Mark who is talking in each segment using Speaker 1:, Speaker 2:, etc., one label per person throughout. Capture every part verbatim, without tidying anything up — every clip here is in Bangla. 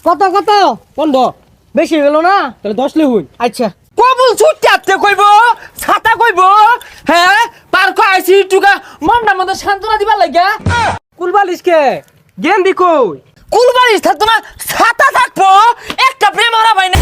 Speaker 1: কত কত পনেরো বেশি গেল না তাহলে দশ লিখুন। আচ্ছা
Speaker 2: কবুল ছুটতে আসতে কইব ছাতা কইব হ্যাঁ পার্ক আইসি টুকা মনটা মতো সান্ত্বনা দিবার লাগা
Speaker 1: কুলবালিশ কে গেন্দি কই
Speaker 2: কুলবাড়ি থাকতো না ছাতা থাকবো একটা প্রেম হারা ভাই না।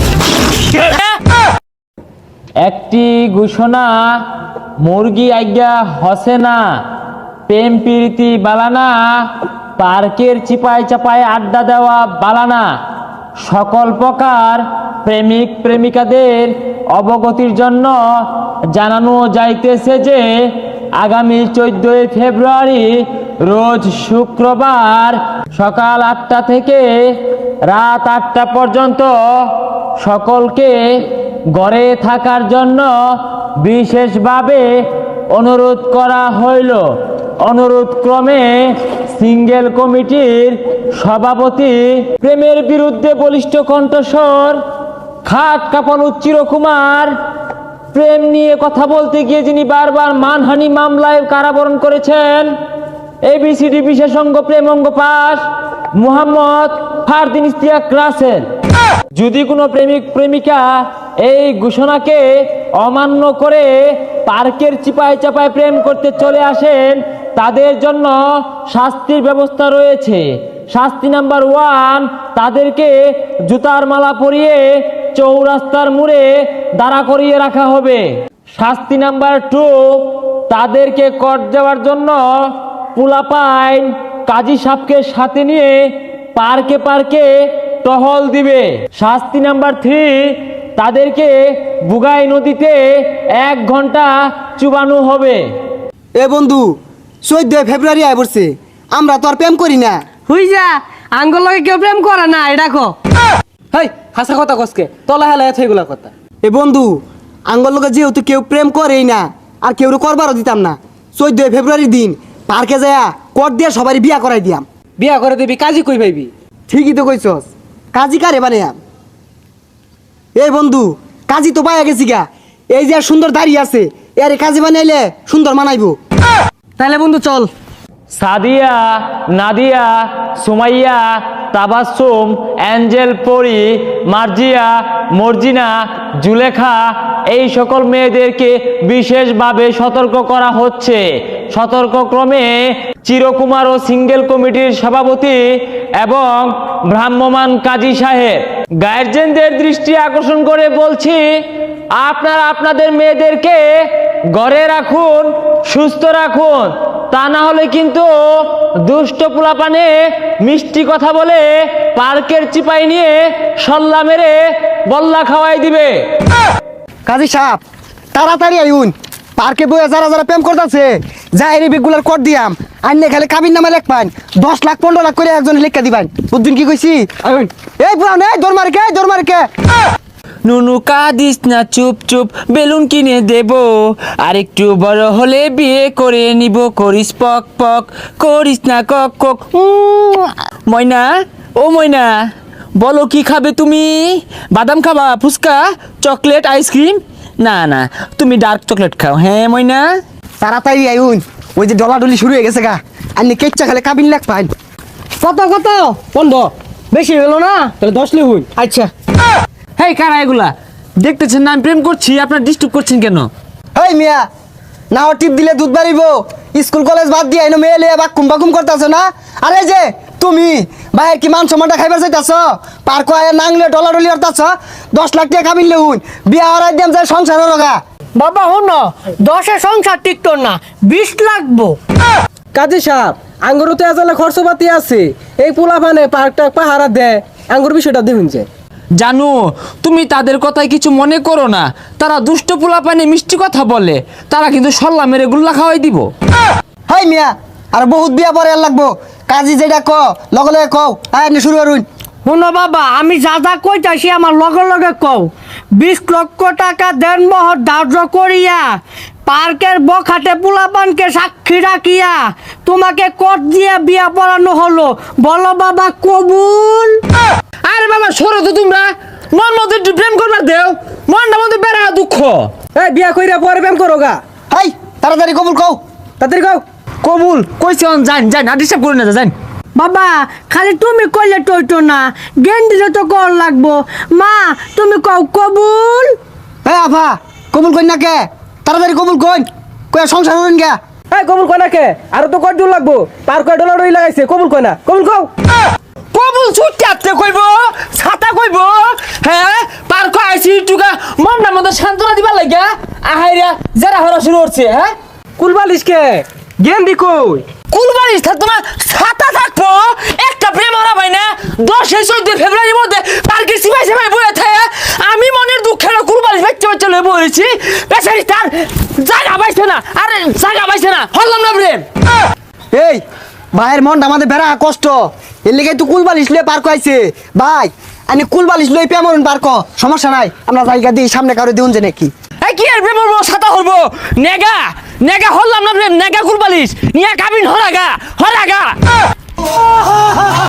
Speaker 3: একটি ঘোষণা মুরগি আজ্ঞা হসে না, প্রেম প্রীতি বালানা, পার্কের চিপায় চাপায় আড্ডা দেওয়া বালানা। সকল প্রকার প্রেমিক প্রেমিকাদের অবগতির জন্য জানানো যাইতেছে যে আগামী চোদ্দই ফেব্রুয়ারি রোজ শুক্রবার সকাল আটটা থেকে রাত আটটা পর্যন্ত সকলকে ঘরে থাকার জন্য বিশেষভাবে অনুরোধ করা হইল। অনুরোধ ক্রমে সিঙ্গেল কমিটির সভাপতি প্রেমের বিরুদ্ধে বলিষ্ঠ কণ্ঠস্বর খাট কাঁপানো চিরকুমার প্রেম নিয়ে কথা বলতে গিয়ে যিনি বারবার মানহানি মামলায় কারাবরণ করেছেন এবিসিডি বিশেষজ্ঞ প্রেম অঙ্গ পাস মুহাম্মদ ফারদিন ইশতিয়াক রাসেল। যদি কোনো প্রেমিক প্রেমিকা এই ঘোষণাকে অমান্য করে পার্কের চিপায় চাপায় প্রেম করতে চলে আসেন তাদের জন্য শাস্তির ব্যবস্থা রয়েছে। শাস্তি নাম্বার ওয়ান, তাদেরকে জুতার মালা পরিয়ে চৌরাস্তার মোড়ে দাঁড়া করিয়ে রাখা হবে। শাস্তি নাম্বার টু, তাদেরকে কর দেওয়ার জন্য পুলাপাইন কাজী সাহেবকে সাথে নিয়ে পার্কে পার্কে টহল দিবে। শাস্তি নাম্বার থ্রি, তাদেরকে বুগাই নদীতে এক ঘন্টা চুবানো হবে।
Speaker 4: এ বন্ধু চোদ্দই ফেব্রুয়ারি আয় পড়ছে, আমরা তো আর প্রেম করি না।
Speaker 1: হুই যা আঙ্গুল লগে কেউ প্রেম করে না এটা কো।
Speaker 2: হেই হাসা কথা কসকে তলা হেলা এগুলা কথা।
Speaker 4: এ বন্ধু আঙ্গল লোকে যেহেতু কেউ প্রেম করেই না আর কেউ করবারও দিতাম না, চোদ্দই ফেব্রুয়ারির দিন পার্কে যায়া কর দিয়ে সবারই বিয়া করাই দিয়াম।
Speaker 2: বিয়া করে দিবি কাজী কই পাইবি?
Speaker 4: ঠিকই তো কইছস, কাজী কারে বানাইয়াম। এই বন্ধু কাজী তো পাইয়া গেছি গা, এই যে আর সুন্দর দাঁড়িয়ে আছে এর কাজী বানাইলে সুন্দর মানাইবো।
Speaker 1: তাহলে বন্ধু চল।
Speaker 3: সাদিয়া, নাদিয়া, সুমাইয়া, তাবাসসুম, অ্যাঞ্জেল, পরি, মার্জিয়া, মর্জিনা, জুলেখা এই সকল মেয়েদেরকে বিশেষভাবে সতর্ক করা হচ্ছে। সতর্কক্রমে চিরকুমার ও সিঙ্গেল কমিটির সভাপতি এবং ভ্রাম্যমাণ কাজী সাহেব গার্জেনদের দৃষ্টি আকর্ষণ করে বলছি, আপনারা আপনাদের মেয়েদেরকে ঘরে রাখুন, সুস্থ রাখুন, তা না হলে কিন্তু দুষ্ট পোলাপানে মিষ্টি কথা বলে পার্কের চিপাই নিয়ে সল্লা মেরে বল্লা খাওয়াই দিবে।
Speaker 4: কাজী সাহেব তাড়াতাড়ি আইউন, পার্কে বইয়া যারা যারা প্রেম করতেছে যাই রেগুলার কর দিয়াম, আইনে খালি কাবির নামে লেখ পাইন দশ লাখ পনেরো লাখ করে একজন লেখা দিবেন। বুঝুন কি কইছি? আইউন এই পুরান এই দৌড় মারকে দৌড় মারকে।
Speaker 2: নুনু কাঁদিস না, চুপ চুপ বেলুন কিনে দেব, আর একটু বড় হলে বিয়ে করে নিব, করিস পক পক করিস না কক কক। উম, ময়না ও ময়না বলো কি খাবে তুমি? বাদাম খাবা, ফুচকা, চকলেট, আইসক্রিম? না না তুমি ডার্ক চকলেট খাও। হ্যাঁ ময়না
Speaker 4: তাড়াতাড়ি আইউন, ওই যে ডলাডলি শুরু হয়ে গেছে গা, আইনে কেচ্চা খালি কাবিন লেখ পাইন।
Speaker 1: কত কত পনেরো বেশি গেল না তাহলে দশ লিখুন। আচ্ছা
Speaker 2: হেই কারা এগুলা? দেখতেছেন না আমি প্রেম করছি, আপনার ডিস্টার্ব করছেন কেন?
Speaker 4: হেই মিয়া, না টিপ দিলে দুধ বাড়িব, স্কুল কলেজ বাদ দিয়ে আইনো মেয়ে লিয়ে বাকুম বাকুম করতেছ না? আরে যে তুমি ভাই কি মান সম্মানটা খাইবার চাইতাছ? পার্ক আয়া নাংলে ডলাডলি করতাছ, দশ লাখ টাকা কাবিন লেহুন, বিয়া হরাই দিয়াম যায় সংসার রগা।
Speaker 1: বাবা হন দশে সংসার টিকতো না, বিশ লাগবো।
Speaker 5: কাজী সাহেব আঙ্গুর তো এজালে খরচপাতি আছে, এই পোলাপানে পার্কটা পাহারা দেয়, আঙ্গুর বিষয়টা দেখুন যে।
Speaker 2: জানো তুমি তাদের কথায় কিছু মনে করো না, তারা দুষ্ট পোলাপানে মিষ্টি কথা বলে, তারা কিন্তু সল্লা মেরে গুল্লা খাওয়াই দিব।
Speaker 4: হাই মিয়া আর বহুত বিয়া পরে আর লাগবো, কাজী যেটা ক লগে লগে কও, আয় নি শুরু করুন।
Speaker 1: শোনো বাবা, আমি যা যা কইতাছি আমার লগে লগে কও। বিশ লক্ষ টাকা দেন মহর ধার্য করিয়া পার্কের বখাটে পোলাপানকে সাক্ষী রাখিয়া তোমাকে কোর্ট দিয়ে বিয়া পড়ানো হলো, বলো বাবা কবুল?
Speaker 2: আরে বাবা সরো তো তোমরা, মন মতো একটু প্রেম করবার দেও, মনটা মধ্যে বেড়া দুঃখ।
Speaker 5: এই বিয়া কইরা পরে প্রেম করো গা।
Speaker 4: হাই তাড়াতাড়ি কবুল কও,
Speaker 5: তাড়াতাড়ি কও।
Speaker 2: কবুল কইছে জান জান আর ডিস্টার্ব করুন না জান।
Speaker 1: বাবা খালি তুমি কইলে টইতো না জ্ঞান দিলে তো কর লাগবো মা তুমি কও কবুল
Speaker 4: এ আফা কবুল কই না কে তাড়াতাড়ি কবুল কই কই সংসার হইন গে
Speaker 5: এই কবুল কয় না কে আর তো কয় দূর লাগবো পার্ক কয় ডলার লাগাইছে কবুল কয় না কবুল কও
Speaker 2: কবুল ছুটতে কইব ছাতা কইব হ্যাঁ পার কো আইছি টুকা মনটা মতো সান্ত্বনা দিবা লাগা আহাইরা যারা হরা শুরু হচ্ছে হ্যাঁ
Speaker 5: কুলবালিশ কে গেন্দি কই
Speaker 2: কুলবাড়ি থাকতো না ছাতা থাকবো একটা প্রেম হারা ভাই না দশে চোদ্দ ফেব্রুয়ারির মধ্যে পার্কে সিপাই সিপাই বয়ে থাকে আমি মনের দুঃখের কুলবাড়ি বাচ্চা বাচ্চা লয়ে বলেছি বেচারি তার জায়গা পাইছে না আরে জায়গা পাইছে না হল্লাম না প্রেম
Speaker 4: এই ভাইয়ের মনটা আমাদের বেড়া কষ্ট এর লেগে তুই কুলবালিশ লয়ে পার্ক আইছে ভাই আমি কুলবালিশ লই পেমরন পার্ক সমস্যা নাই আমরা জায়গা দিই সামনে কারো দিউন যে নাকি
Speaker 2: এই কি আর প্রেম হবো ছাতা হরবো নেগা নেগা হল্লাম না প্রেম নেগা কুলবালিশ নিয়া কাবিন হরাগা হরাগা